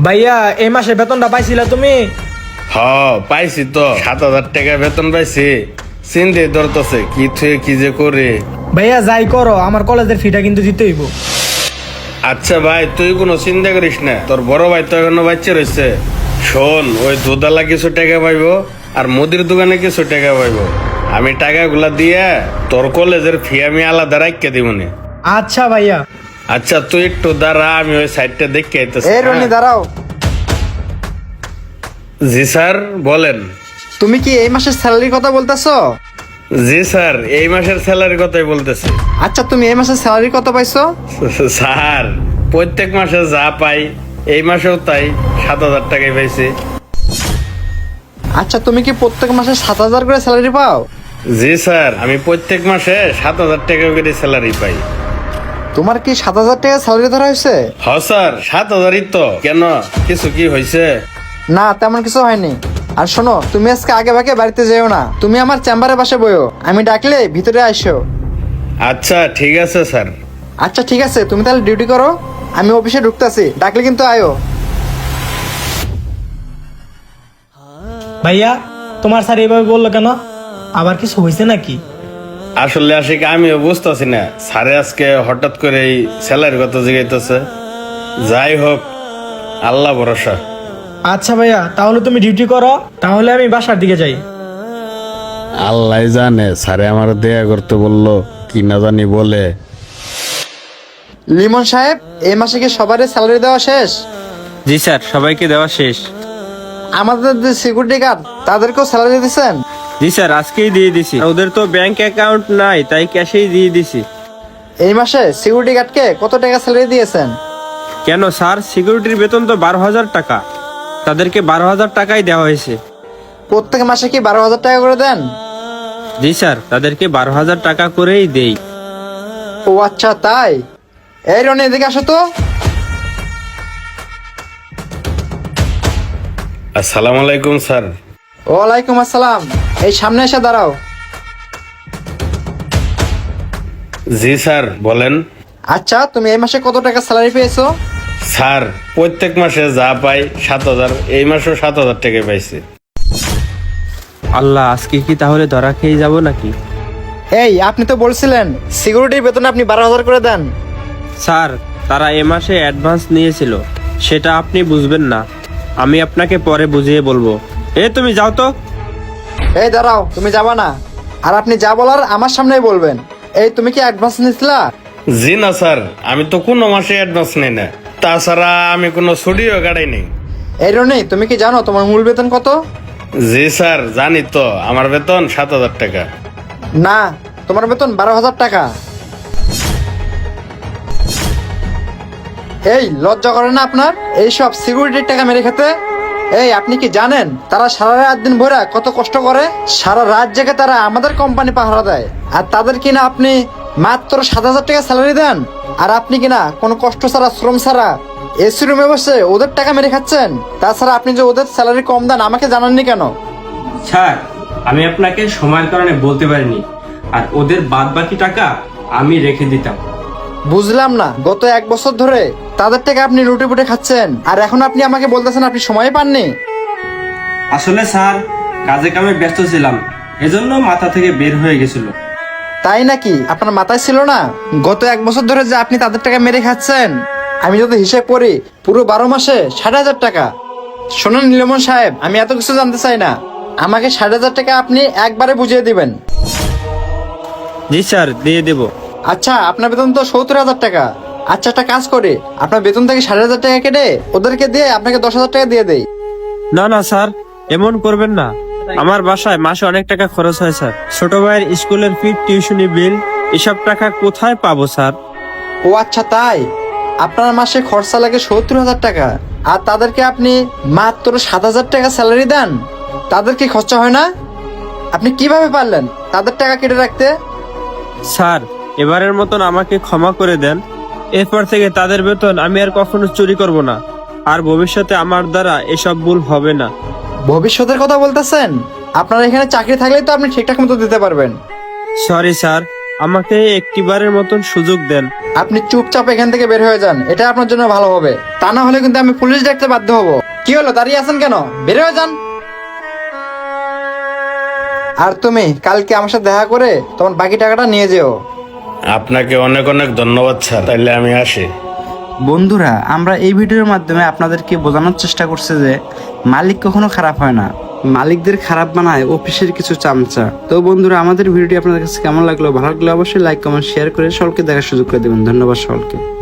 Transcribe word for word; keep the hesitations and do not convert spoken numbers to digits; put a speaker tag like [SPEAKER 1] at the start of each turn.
[SPEAKER 1] ভাইয়া এই মাসে বেতনটা পাইছিলা তুমি?
[SPEAKER 2] হ পাইছি তো, সাত হাজার টাকা বেতন পাইছি। চিন্তে ধরতেছে কি থুয়ে কি যে করে।
[SPEAKER 1] ভাইয়া যাই করো, আমার কলেজের ফিটা কিন্তু দিতে হইব।
[SPEAKER 2] আচ্ছা ভাই, তুই কোনো চিন্তা করিস না, তোর বড় ভাই তো এখনো বাচ্চা রয়েছে। শোন, ওই দুধালা কিছু টাকা পাইবো আর মুদির দোকানে কিছু টাকা পাইবো। আমি টাকাগুলা দিয়ে তোর কলেজের ফি আমি আলাদা রাখিয়ে দিব নে।
[SPEAKER 1] আচ্ছা ভাইয়া।
[SPEAKER 2] আচ্ছা তুই একটু দাঁড়া, আমি ওই সাইডটা দেখে আইতেছি।
[SPEAKER 3] এই রনি দাঁড়াও।
[SPEAKER 2] জি স্যার বলেন।
[SPEAKER 3] তুমি কি এই মাসের স্যালারির কথা বলতেছো?
[SPEAKER 2] জি স্যার, এই মাসের স্যালারির কথাই বলতেছি।
[SPEAKER 3] আচ্ছা তুমি এই মাসের স্যালারি কত পাইছো?
[SPEAKER 2] স্যার প্রত্যেক মাসে যা পাই এই মাসেও তাই, সাত হাজার টাকাই পাইছি।
[SPEAKER 3] আচ্ছা তুমি কি প্রত্যেক মাসে সাত হাজার করে স্যালারি পাও?
[SPEAKER 2] জি স্যার, আমি প্রত্যেক মাসে সাত হাজার টাকা করে স্যালারি পাই।
[SPEAKER 3] তোমার কি সাত হাজার টাকা স্যালারি ধরা হয়েছে?
[SPEAKER 2] হ স্যার, সাত হাজারই তো। কেন, কিছু কি হয়েছে?
[SPEAKER 3] না তেমন কিছু হয়নি। আর শোনো, তুমি আজকে আগে ভাগে বাড়িতে যেও না, তুমি আমার চেম্বারে পাশে বইও, আমি ডাকলে ভিতরে আসো।
[SPEAKER 2] আচ্ছা ঠিক আছে স্যার।
[SPEAKER 3] আচ্ছা ঠিক আছে, তুমি তাহলে ডিউটি করো, আমি অফিসে ঢুকতেছি, ডাকলে কিন্তু আয়ো।
[SPEAKER 1] ভাইয়া তোমার স্যার এইভাবে বললো কেন? আবার কিছু হয়েছে নাকি?
[SPEAKER 2] আসলে আশিক আমিও বুঝতেছি না, স্যারে আজকে হঠাৎ করে এই স্যালারির কথা জিগাইতেছে। যাই হোক, আল্লাহ ভরসা।
[SPEAKER 1] আচ্ছা ভাইয়া, তাহলে তুমি ডিউটি করো, তাহলে আমি বাসার দিকে যাই।
[SPEAKER 2] আল্লাহ জানে স্যারে আমার দেয়া করতে বললো কি না জানি বলে।
[SPEAKER 3] লিমন সাহেব, এই মাসে কি সবারই স্যালারি দেওয়া শেষ?
[SPEAKER 4] জি স্যার, সবাইকে দেওয়া শেষ।
[SPEAKER 3] আমাদের যে সিকিউরিটি গার্ড তাদেরকেও স্যালারি দিয়েছেন?
[SPEAKER 4] জি স্যার, আজকেই দিয়ে দিছি। ওদের তো ব্যাংক অ্যাকাউন্ট নাই, তাই ক্যাশেই দিয়ে দিছি।
[SPEAKER 3] এই মাসে সিকিউরিটি গার্ডকে কত টাকা স্যালারি দিয়েছেন?
[SPEAKER 4] কেন স্যার, সিকিউরিটির বেতন তো বারো হাজার টাকা, তাদেরকে বারো হাজার টাকাই দেওয়া হয়েছে।
[SPEAKER 3] প্রত্যেক মাসে কি বারো হাজার টাকা করে দেন?
[SPEAKER 4] জি স্যার, তাদেরকে বারো হাজার টাকা করেই দেই।
[SPEAKER 3] ও আচ্ছা তাই। এই রনি এদিকে আসো তো।
[SPEAKER 2] আসসালামু আলাইকুম স্যার।
[SPEAKER 3] ওয়ালাইকুম আসসালাম। এই সামনে এসে দাঁড়াও।
[SPEAKER 2] জি স্যার বলেন।
[SPEAKER 3] আচ্ছা তুমি এই মাসে কত টাকা স্যালারি পেয়েছো?
[SPEAKER 2] স্যার প্রত্যেক মাসে যা পাই সাত হাজার, এই মাসেও সাত হাজার টাকা পাইছি।
[SPEAKER 4] আল্লাহ, আজকে কি তাহলে ধরা খেয়ে যাব নাকি?
[SPEAKER 3] এই আপনি তো বলছিলেন সিকিউরিটির বেতন আপনি বারো হাজার করে দেন।
[SPEAKER 4] স্যার, তারা এ মাসে অ্যাডভান্স নিয়েছিল, সেটা আপনি বুঝবেন না, আমি আপনাকে পরে বুঝিয়ে বলবো। এ তুমি যাও তো।
[SPEAKER 3] এই দাঁড়াও, তুমি যাবা না, আর আপনি যা বলার আমার সামনেই বলবেন। এই তুমি কি অ্যাডভান্স নিছিলা?
[SPEAKER 2] জি না স্যার, আমি তো কোনো মাসে অ্যাডভান্স নেই না, তাছাড়া আমি কোনো ছুটিও কাটাই নেই।
[SPEAKER 3] এই রনি, তুমি কি জানো তোমার মূল বেতন কত?
[SPEAKER 2] জি স্যার জানি তো, আমার বেতন সাত হাজার টাকা।
[SPEAKER 3] না, তোমার বেতন বারো হাজার টাকা। এই লজ্জা করে না আপনার এইসব সিকিউরিটির টাকা মেরে খেতে? এই আপনি কি জানেন তারা সারা রাত দিন ভরে কত কষ্ট করে? সারা রাত জেগে তারা আমাদের কোম্পানি পাহারা দেয়, আর তাদের কিনা আপনি মাত্র সাত হাজার টাকা স্যালারি দেন। আর আপনি কিনা কোনো কষ্ট ছাড়া, শ্রম ছাড়া এসি রুমে বসে ওদের টাকা মেরে খাচ্ছেন। তাছাড়া আপনি যে ওদের স্যালারি কম দেন আমাকে জানাননি কেন?
[SPEAKER 4] স্যার, আমি আপনাকে সময়ের কারণে বলতে পারিনি, আর ওদের বাদ বাকি টাকা আমি রেখে দিতাম।
[SPEAKER 3] বুঝলাম না, গত এক বছর ধরে তাদের টাকা আপনি লুটে পুটে খাচ্ছেন, আর এখন আপনি আমাকে বলতেছেন আপনি সময় পাননি।
[SPEAKER 4] আসলে স্যার, কাজে কামে ব্যস্ত ছিলাম, এজন্য মাথা থেকে বের হয়ে গেছিল।
[SPEAKER 3] তাই নাকি? আপনার মাথায় ছিল না গত এক বছর ধরে যে আপনি তাদের টাকা মেরে খাচ্ছেন? আমি যদি হিসেব করি পুরো বারো মাসে ষাট হাজার টাকা। শোনেন নীলমন সাহেব, আমি এত কিছু জানতে চাই না, আমাকে ষাট হাজার টাকা আপনি একবারে বুঝিয়ে দিবেন।
[SPEAKER 4] জি স্যার, দিয়ে দেব।
[SPEAKER 3] আচ্ছা আপনার বেতন তো সত্তর হাজার টাকা। আচ্ছা একটা কাজ করে আপনার বেতন থেকে ষাট হাজার টাকা কেটে ওদেরকে দিয়ে আপনাকে দশ হাজার টাকা দিয়ে দেই।
[SPEAKER 4] না না স্যার, এমন করবেন না, আমার বাসায় মাসে অনেক টাকা খরচ হয় স্যার। ছোট ভাইয়ের স্কুলের ফি, টিউশনি বিল, এসব টাকা কোথায় পাবো স্যার?
[SPEAKER 3] ও আচ্ছা তাই। আপনার মাসে খরচা লাগে সত্তর হাজার টাকা, আর তাদেরকে আপনি মাত্র সাত হাজার টাকা স্যালারি দেন, তাদের কি খরচা হয় না? আপনি কিভাবে পারলেন তাদের টাকা কেটে রাখতে?
[SPEAKER 4] স্যার, এবারের মতন আমাকে ক্ষমা করে দেন, এরপর থেকে তাদের বেতন আমি আর কখনো চুরি করব না, আর ভবিষ্যতে আমার দ্বারা এসব ভুল হবে না।
[SPEAKER 3] ভবিষ্যতের কথা বলতেছেন? আপনার এখানে চাকরি থাকলেই তো আপনি ঠিকঠাক মতো দিতে পারবেন।
[SPEAKER 4] সরি স্যার, আমাকে একটিবারের মতন সুযোগ দেন।
[SPEAKER 3] আপনি চুপচাপ এখান থেকে বের হয়ে যান, এটা আপনার জন্য ভালো হবে। তা না হলে কিন্তু আমি পুলিশ ডাকতে বাধ্য হব। কি হলো, দাঁড়িয়ে আছেন কেন? বের হয়ে যান। আর তুমি কালকে আমার সাথে দেখা করে তোমার বাকি টাকাটা নিয়ে যেও।
[SPEAKER 2] আপনাকে অনেক অনেক ধন্যবাদ স্যার, তাইলে আমি আসি।
[SPEAKER 5] বন্ধুরা, আমরা এই ভিডিওর মাধ্যমে আপনাদেরকে বোঝানোর চেষ্টা করছি যে মালিক কখনো খারাপ হয় না, মালিকদের খারাপ বানায় অফিসের কিছু চামচা। তো বন্ধুরা, আমাদের ভিডিওটি আপনাদের কাছে কেমন লাগলো? ভালো লাগলে অবশ্যই লাইক কমেন্ট শেয়ার করে সকলকে দেখার সুযোগ করে দেবেন। ধন্যবাদ সকলকে।